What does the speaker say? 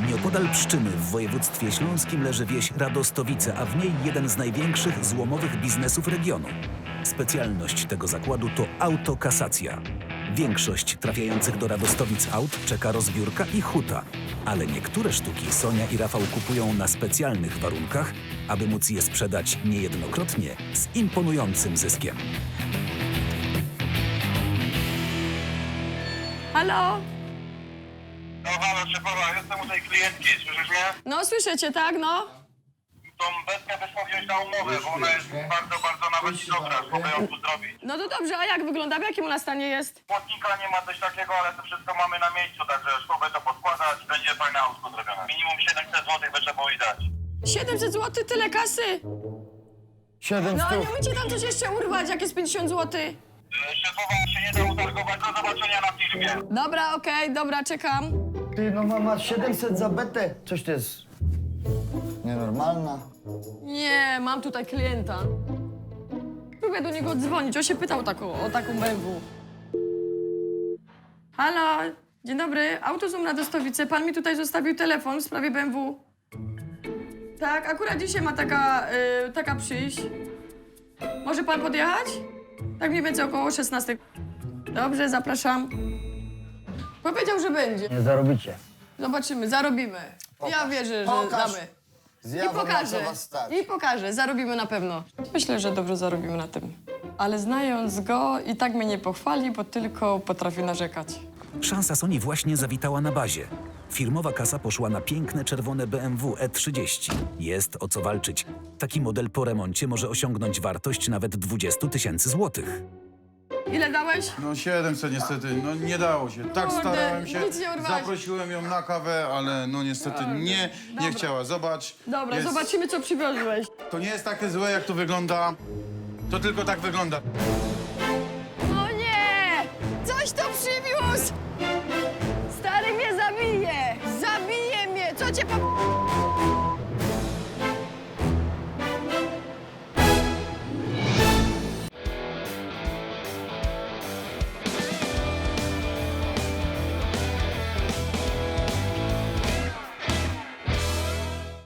Nieopodal Pszczyny w województwie śląskim leży wieś Radostowice, a w niej jeden z największych złomowych biznesów regionu. Specjalność tego zakładu to autokasacja. Większość trafiających do Radostowic aut czeka rozbiórka i huta, ale niektóre sztuki Sonia i Rafał kupują na specjalnych warunkach, aby móc je sprzedać niejednokrotnie z imponującym zyskiem. Halo? No halo, szefowa, jestem u tej klientki, słyszysz mnie? No, słyszę cię, tak, no? Tą Betkę byśmy wziąć na umowę, bo ona jest bardzo nawet dobra, mogę ją tu zrobić. No to dobrze, a jak wygląda? W jakim ona stanie jest? Płotnika nie ma coś takiego, ale to wszystko mamy na miejscu, także szkowę to podkładać, będzie fajne autko zrobione. Minimum 700 zł by trzeba było i dać. 700 zł, tyle kasy? 7 No, stów. nie umiecie tam coś jeszcze urwać, jak jest 50 zł? Szefowa się nie da utargować, do zobaczenia na filmie. Dobra, okej, dobra, czekam. Ty, no mama, 700 za betę. Coś to jest nienormalna. Nie, mam tutaj klienta. Próbuję do niego dzwonić, on się pytał o taką BMW. Halo, dzień dobry, Autozoom Radostowice. Pan mi tutaj zostawił telefon w sprawie BMW. Tak, akurat dzisiaj ma taka przyjść. Może pan podjechać? Tak mniej więcej około 16. Dobrze, zapraszam. Powiedział, że będzie. Nie zarobicie. Zobaczymy, zarobimy. Ja wierzę, że Pokaż. damy. Zjawam, I pokażę. na co was stać. I pokażę, zarobimy na pewno. Myślę, że dobrze zarobimy na tym. Ale znając go, i tak mnie nie pochwali, bo tylko potrafi narzekać. Szansa Soni właśnie zawitała na bazie. Firmowa kasa poszła na piękne czerwone BMW E30. Jest o co walczyć. Taki model po remoncie może osiągnąć wartość nawet 20 000 złotych. Ile dałeś? No 700 niestety, no nie dało się. Tak Kurde, starałem się, nic nie urwałeś. zaprosiłem ją na kawę, ale no niestety nie Dobra. chciała. Zobacz. Dobra, jest, zobaczymy, co przywiozłeś. To nie jest takie złe, jak to wygląda. To tylko tak wygląda. O nie! Coś to przywiózł! Stary mnie zabije! Zabije mnie! Co cię po...